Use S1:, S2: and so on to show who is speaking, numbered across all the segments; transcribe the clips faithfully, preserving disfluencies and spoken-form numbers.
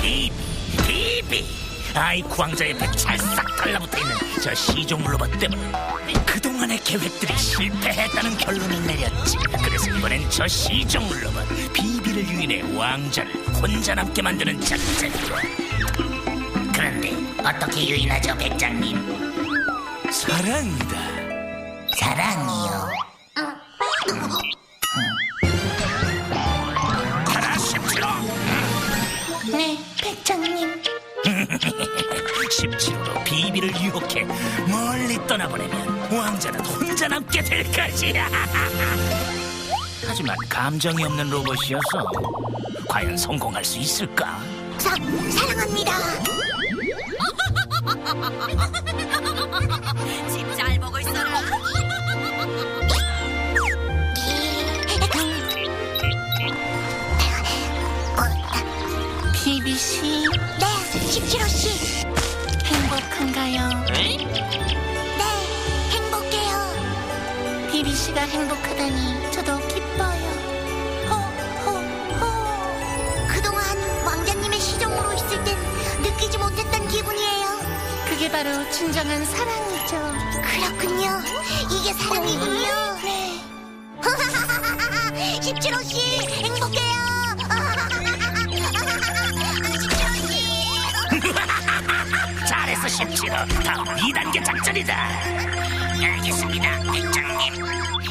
S1: 비비 비비 아이쿠 왕자 옆에 찰싹 달라붙어있는 저 시종 로봇 때문에 그동안의 계획들이 실패했다는 결론을 내렸지. 그래서 이번엔 저 시종 로봇 비비를 유인해 왕자를 혼자 남게 만드는 작전이야. 그런데 어떻게 유인하죠, 백장님? 사랑이다. 사랑이요? 가라, 십칠호!
S2: 네, 백장님.
S1: 십칠호로 비비를 유혹해 멀리 떠나보내면 왕자는 혼자 남게 될 것이야. 하지만 감정이 없는 로봇이어서 과연 성공할 수 있을까?
S2: 사, 사랑합니다.
S3: 집 잘 보고 있어라.
S2: 비비씨. 네, 십칠호씨. 행복한가요?
S1: 에?
S2: 네, 행복해요. 비비씨가 행복하다니 저도 기뻐요. 호, 호, 호. 그동안 왕자님의 시종으로 있을 땐 느끼지 못했던 기분이에요. 그게 바로 진정한 사랑이죠. 그렇군요. 이게 사랑이군요. 네. 십칠호씨, 행복해요.
S1: 잘했어, 십칠호. 다음 이 단계 작전이다. 알겠습니다, 백장님.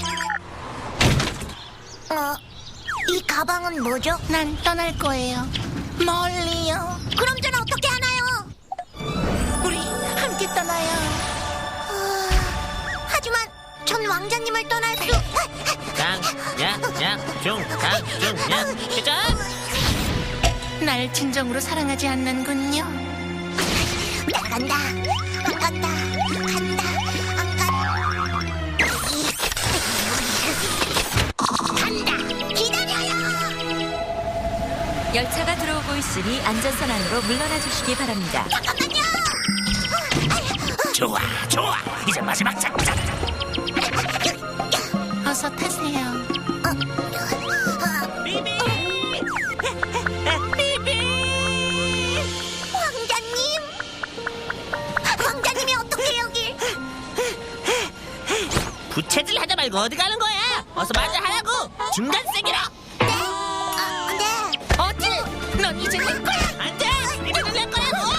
S2: 어, 이 가방은 뭐죠? 난 떠날 거예요. 멀리요. 그럼 전 어떻게 하나요? 우리 함께 떠나요. 어, 하지만 전 왕자님을 떠날 수...
S1: 강야약중강중야 시작.
S2: 날 진정으로 사랑하지 않는군요. 나간다. 안 간다. 간다. 안 간다. 간다. 기다려요.
S3: 열차가 들어오고 있으니 안전선 안으로 물러나 주시기 바랍니다.
S2: 잠깐만요.
S1: 좋아, 좋아. 이제 마지막 작전.
S2: 어서 타세요.
S1: 비비.
S2: 왕자님. 왕자님이 어떻게 여길?
S4: 부채질 하지 말고 어디 가는 거야? 어서 마저 하라고. 중간 세기로.
S2: 네? 아, 네.
S4: 어찌? 넌 이제 내 거야. 안돼. 이거는 내 거라고.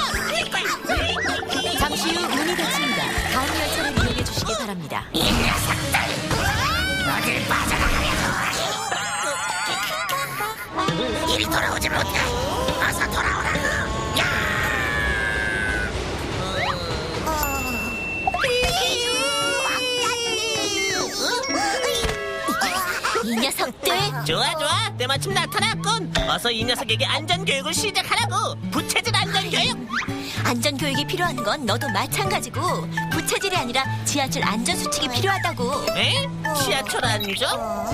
S3: 잠시 후 문이 닫힙니다. 다음 열차를 이용해 주시기 바랍니다.
S1: 이 녀석들 어딜 빠져나가려고. 이리 돌아오지 못해. 어서 돌아오라고. 야!
S2: 이 녀석들.
S4: 좋아 좋아. 때마침 나타났군. 어서 이 녀석에게 안전 교육을 시작하라고. 부채질 안전 교육.
S3: 안전 교육이 필요한 건 너도 마찬가지고 부채질이 아니라 지하철 안전 수칙이 필요하다고.
S4: 에? 지하철 안전?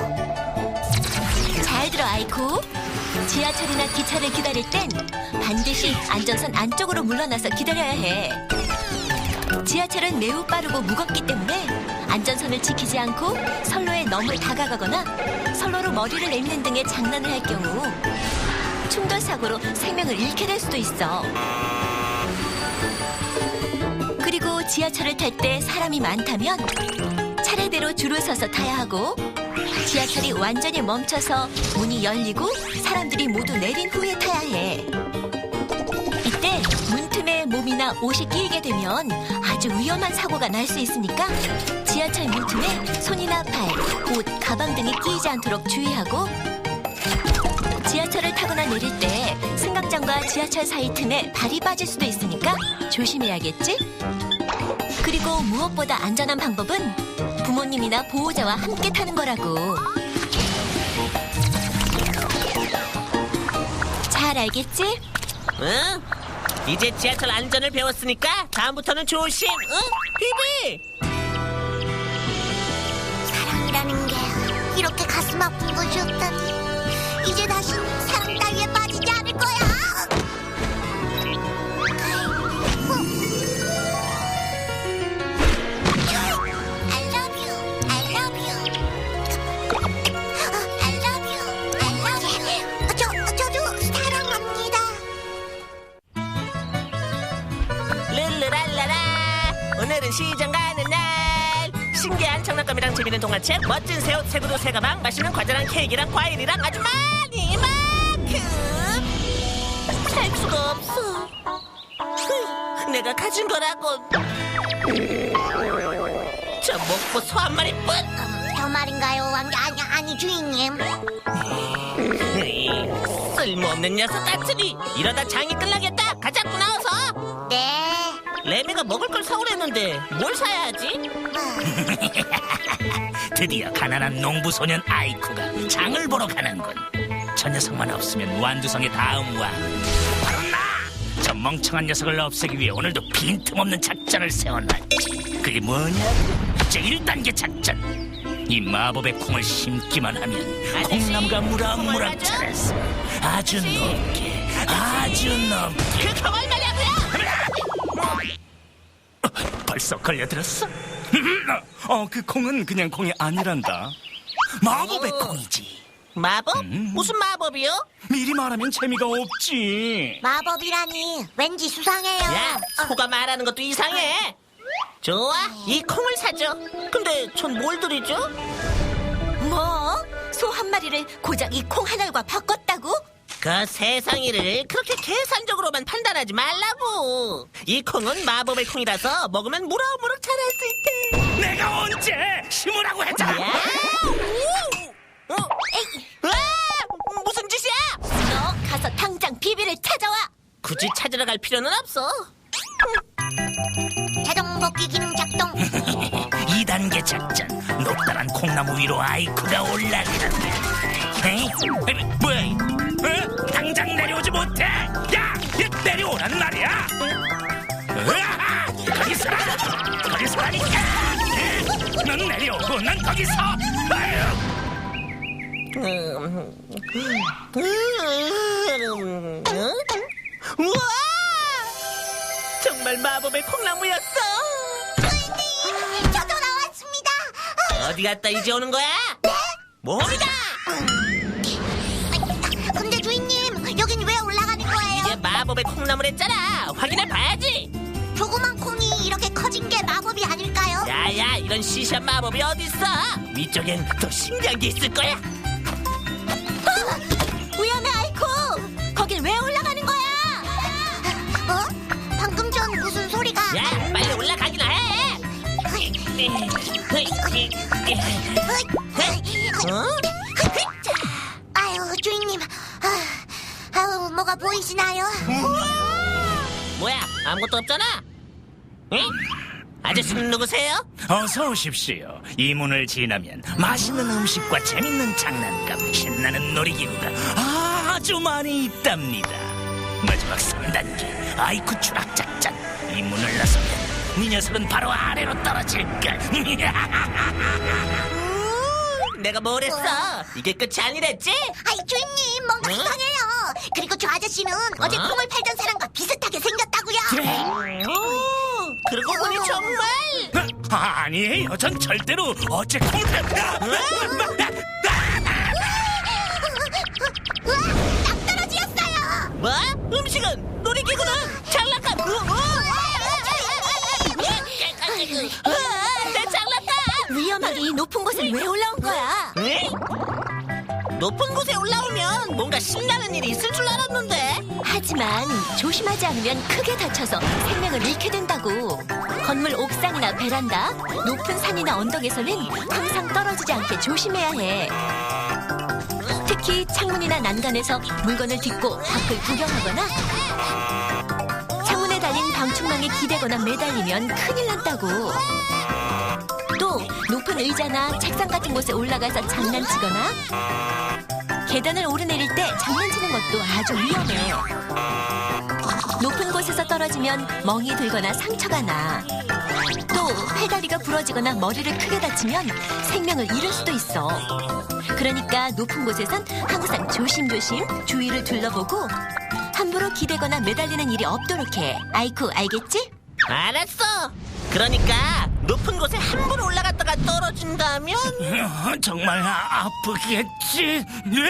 S3: 잘 들어, 아이쿠. 지하철이나 기차를 기다릴 땐 반드시 안전선 안쪽으로 물러나서 기다려야 해. 지하철은 매우 빠르고 무겁기 때문에 안전선을 지키지 않고 선로에 너무 다가가거나 선로로 머리를 내미는 등의 장난을 할 경우 충돌 사고로 생명을 잃게 될 수도 있어. 그리고 지하철을 탈 때 사람이 많다면 차례대로 줄을 서서 타야 하고, 지하철이 완전히 멈춰서 문이 열리고 사람들이 모두 내린 후에 타야 해. 이때 문틈에 몸이나 옷이 끼이게 되면 아주 위험한 사고가 날 수 있으니까 지하철 문틈에 손이나 발, 옷, 가방 등이 끼이지 않도록 주의하고, 지하철을 타거나 내릴 때 승강장과 지하철 사이 틈에 발이 빠질 수도 있으니까 조심해야겠지? 그리고 무엇보다 안전한 방법은 부모님이나 보호자와 함께 타는 거라고. 잘 알겠지?
S4: 응? 이제 지하철 안전을 배웠으니까 다음부터는 조심. 응? 비비.
S2: 사랑이라는 게 이렇게 가슴 아픈 것이었다니. 이제 다시 사랑 따위에 빠지지 않을 거야. I love you. I love you. I love you. I love you. 저, 저도 사랑합니다.
S4: 오늘은 시장 가는 날. 신기한 장난감이랑 재밌는 동화책, 멋진 새 옷, 새 구두, 새 가방, 맛있는 과자랑 케이크랑 과일이랑 아주 많이 만큼 살 수가 없어. 흐, 내가 가진 거라고. 저 목보 소 한 마리뿐.
S2: 어, 저 말인가요, 왕자? 아니, 아니, 주인님.
S4: 에이, 쓸모없는 녀석 같으니 이러다 장이 끝나겠다. 가자꾸 나와서.
S2: 네.
S4: 레미가 먹을 걸 사오랬는데 뭘 사야 하지?
S1: 드디어 가난한 농부 소년 아이쿠가 장을 보러 가는군. 저 녀석만 없으면 완두성의 다음 왕 바로 나! 저 멍청한 녀석을 없애기 위해 오늘도 빈틈없는 작전을 세워놨지. 그게 뭐냐? 제일 단계 작전. 이 마법의 콩을 심기만 하면
S4: 아저씨,
S1: 콩나무가 무럭무럭
S4: 콩을
S1: 자라서 아주
S4: 아저씨.
S1: 높게, 아주 높게.
S4: 그 콩을 말이야고요?
S1: 어, 벌써 걸려들었어? 어, 그 콩은 그냥 콩이 아니란다. 마법의
S4: 오.
S1: 콩이지.
S4: 마법?
S1: 음.
S4: 무슨 마법이요?
S1: 미리 말하면 재미가 없지.
S2: 마법이라니, 왠지 수상해요.
S4: 야, 소가 말하는 것도 이상해. 좋아, 이 콩을 사죠. 근데 전 뭘 드리죠?
S3: 뭐? 소 한 마리를 고작 이 콩 하나과 바꿨다고?
S4: 그 세상 일을 그렇게 계산적으로만 판단하지 말라고. 이 콩은 마법의 콩이라서 먹으면 무럭무럭 자랄 수 있대.
S1: 내가 언제 심으라고 했잖아.
S4: 야! 오! 어? 에이! 아! 무슨 짓이야?
S3: 너 가서 당장 비비를 찾아와.
S4: 굳이 찾으러 갈 필요는 없어.
S2: 자동 복귀 기능 작동.
S1: 이 단계 작전. 높다란 콩나무 위로 아이쿠가 올라간다. 에이? 에이, 뭐야? 이? 어? 당장 내려오지 못해. 야, 얘 내려오란 말이야. 으아! 거기 서라. 거기 서라니까. 넌 내려오고 넌 거기 서. 아유.
S4: 음, 음, 음, 우와! 정말 마법의 콩나무였어.
S2: 주인님, 저도 나왔습니다.
S4: 어디 갔다 이제 오는 거야? 네? 몸이다.
S2: 근데 주인님, 여긴 왜 올라가는 거예요?
S4: 이게 마법의 콩나무랬잖아. 확인해 봐야지.
S2: 조그만 콩이 이렇게 커진 게 마법이 아닐까요?
S4: 야야, 이런 시시한 마법이 어딨어? 위쪽엔 더 신기한 게 있을 거야.
S3: 위험해, 아이코. 거길 왜 올라가는 거야?
S2: 어? 방금 전 무슨 소리가?
S4: 야, 빨리 올라가기나 해. 어?
S2: 아유, 주인님. 아, 아유, 뭐가 보이시나요?
S4: 뭐야, 아무것도 없잖아. 응? 아저씨는 누구세요?
S1: 어서 오십시오. 이 문을 지나면 맛있는 음식과 재밌는 장난감, 신나는 놀이기구가 아주 많이 있답니다. 마지막 삼 단계 아이쿠 추락 작전. 이 문을 나서면 이 녀석은 바로 아래로 떨어질까.
S4: 내가 뭘 했어? 이게 끝이 아니랬지?
S2: 아이, 주인님, 뭔가
S4: 응?
S2: 이상해요. 그리고 저 아저씨는 어제
S4: 어?
S2: 콩을 팔던 사람과 비슷하게 생겼다고요.
S4: 오, 그러고 보니 정말.
S1: 아니에요. 전 절대로 어째 콩을
S2: 우와, 딱 떨어지었어요.
S4: 뭐? 음식은? 놀이기구는? 장난감? 어, 어? 아, 내 장난감!
S3: 위험하게 이 높은 곳에 왜 올라온 거야?
S4: 응? 높은 곳에 올라오면 뭔가 신나는 일이 있을 줄 알았는데.
S3: 하지만 조심하지 않으면 크게 다쳐서 생명을 잃게 된다고. 건물 옥상이나 베란다, 높은 산이나 언덕에서는 항상 떨어지지 않게 조심해야 해. 특히 창문이나 난간에서 물건을 딛고 밖을 구경하거나 창문에 달린 방충망에 기대거나 매달리면 큰일 난다고. 또 높은 의자나 책상 같은 곳에 올라가서 장난치거나 계단을 오르내릴 때 장난치는 것도 아주 위험해. 높은 곳에서 떨어지면 멍이 들거나 상처가 나. 또 팔다리가 부러지거나 머리를 크게 다치면 생명을 잃을 수도 있어. 그러니까 높은 곳에선 항상 조심조심 주위를 둘러보고 함부로 기대거나 매달리는 일이 없도록 해. 아이쿠, 알겠지?
S4: 알았어. 그러니까 높은 곳에 함부로 올라갔다가 떨어진다면
S1: 정말 아, 아프겠지.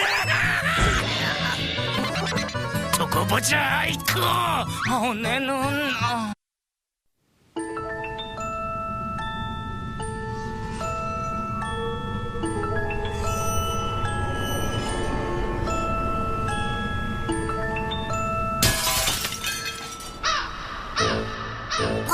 S1: 두고 보자, 아이쿠. 어, 내 눈. 어.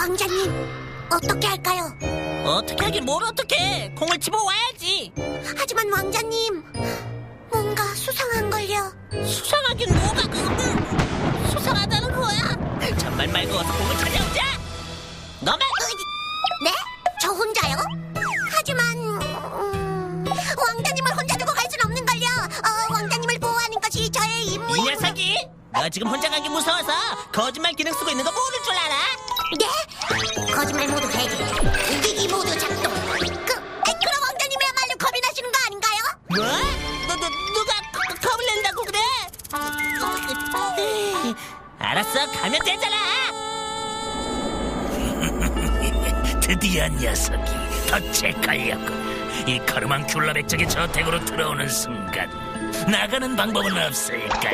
S2: 왕자님, 어떻게 할까요?
S4: 어떻게 하긴 뭘 어떻게? 공을 집어와야지.
S2: 하지만 왕자님, 뭔가 수상한걸요.
S4: 수상하긴 뭐가 그 음, 수상하다는 거야? 잔말 말고 어서 공을 찾아오자. 너만
S2: 네? 저 혼자요? 하지만 음, 왕자님을 혼자 두고 갈 순 없는걸요. 어, 왕자님을 보호하는 것이 저의 임무.
S4: 이 녀석이 너 지금 혼자 가기 무서워서 거짓말 기능 쓰고 있는 거 모를 줄 알아?
S2: 네? 거짓말 모두 해제, 이기기 모두 작동. 그, 에, 그럼 왕자님이야말로 겁이 나시는 거 아닌가요?
S4: 뭐? 너, 너 누가 거- 거- 겁을 낸다고 그래? 에이, 알았어, 가면 되잖아.
S1: 드디어 녀석이 덫에 걸렸군. 이 카르만 큘라 백작의 저택으로 들어오는 순간 나가는 방법은 없을까?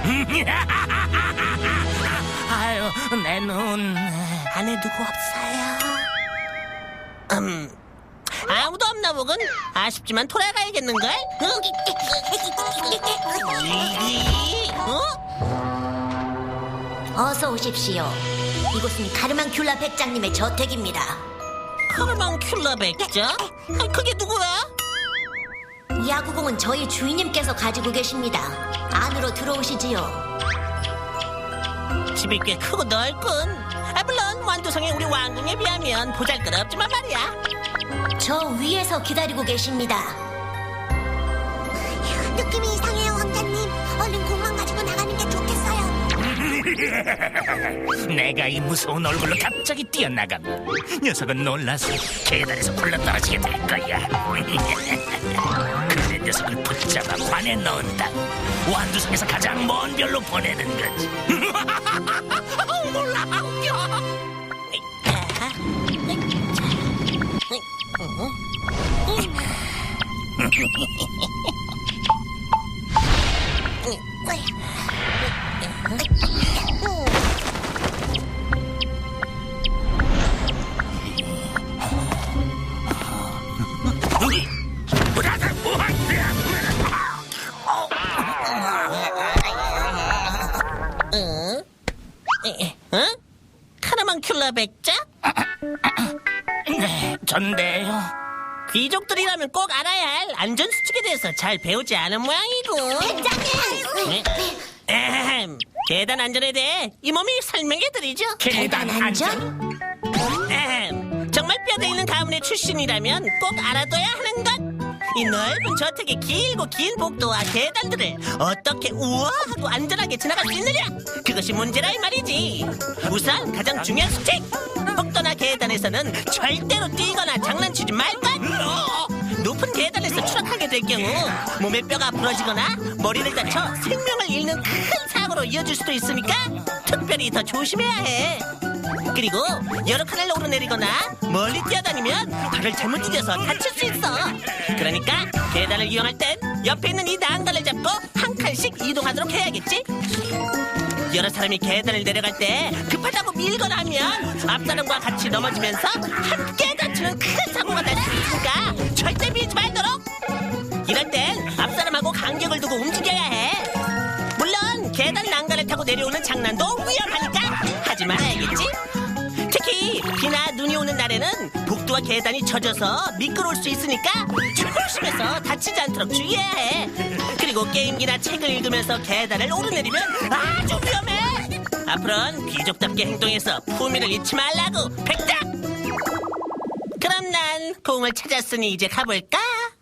S1: 아유, 내 눈.
S4: 안에 누구 없어요? 음, 아무도 없나 보군. 아쉽지만 돌아가야겠는걸? 어? 이, 어?
S2: 어서 오십시오. 이곳은 가르만 큘라 백장님의 저택입니다.
S4: 카르만 큘라 백작? 아, 그게 누구야?
S2: 이 야구공은 저희 주인님께서 가지고 계십니다. 안으로 들어오시지요.
S4: 집이 꽤 크고 넓군. 아, 물론 완도성의 우리 왕궁에 비하면 보잘것없지만 말이야.
S2: 저 위에서 기다리고 계십니다. 느낌이 이상해요, 왕자님. 얼른 공만 가지고 나가는 게 좋겠어요.
S1: 내가 이 무서운 얼굴로 갑자기 뛰어나가면 녀석은 놀라서 계단에서 굴러떨어지게 될 거야. 그래 녀석을 붙잡아 관에 넣은다. 완두성에서 가장 먼 별로 보내는 거지. 몰라, 웃겨.
S4: 응? 응? 카르만 큘라 백작?
S1: 네, 전데요.
S4: 귀족들이라면 꼭 알아야 할 안전수칙에 대해서 잘 배우지 않은 모양이고.
S2: 백장님!
S4: 에헴, 계단 안전에 대해 이 몸이 설명해드리죠.
S1: 계단 안전?
S4: 에헴, 정말 뼈대 있는 가문의 출신이라면 꼭 알아둬야 하는 것. 이 넓은 저택의 길고 긴 복도와 계단들을 어떻게 우아하고 안전하게 지나갈 수 있느냐? 그것이 문제라 이 말이지. 우선 가장 중요한 수칙! 복도나 계단에서는 절대로 뛰거나 장난치지 말 것! 높은 계단에서 추락하게 될 경우 몸의 뼈가 부러지거나 머리를 다쳐 생명을 잃는 큰 사고로 이어질 수도 있으니까 특별히 더 조심해야 해. 그리고 여러 칸을 오르내리거나 멀리 뛰어다니면 발을 잘못 디뎌서 다칠 수 있어. 그러니까 계단을 이용할 땐 옆에 있는 이 난간을 잡고 한 칸씩 이동하도록 해야겠지. 여러 사람이 계단을 내려갈 때 급하다고 밀거나 하면 앞사람과 같이 넘어지면서 함께 다치는 큰 사고가 날 수 있으니까 절대 밀지 말도록. 이럴 땐 앞사람하고 간격을 두고 움직여야 해. 물론 계단 난간을 타고 내려오는 장난도 위험하니까 하지 말아야겠지. 특히 비나 눈이 오는 날에는 복도와 계단이 젖어서 미끄러울 수 있으니까 조심해서 다치지 않도록 주의해야 해. 그리고 게임기나 책을 읽으면서 계단을 오르내리면 아주 위험해. 앞으로는 귀족답게 행동해서 품위를 잃지 말라고, 백작! 그럼 난 공을 찾았으니 이제 가볼까?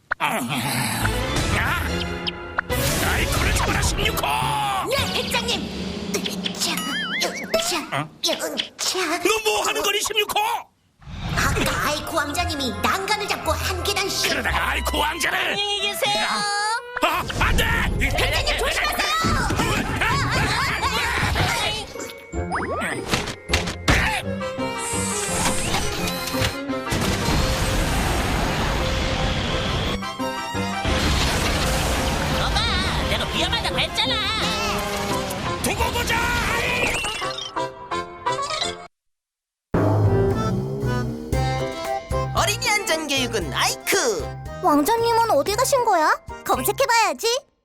S1: 아이쿠를 잡아라, 십육 호!
S2: 네, 백장님! 으차, 으차, 으차.
S1: 너 뭐 하는 거니, 십육 호?
S2: 아까 아이쿠 왕자님이 난간을 잡고 한 계단씩.
S1: 그러다가 아이쿠 왕자를.
S4: 안녕히 계세요.
S1: 아, 안 돼!
S2: 백장님 조심하세요!
S4: 너가 내가 위험하다고 했잖아.
S1: 두고 보자!
S4: 어린이 안전교육은 아이크.
S2: 왕자님은 어디 가신 거야? 검색해봐야지.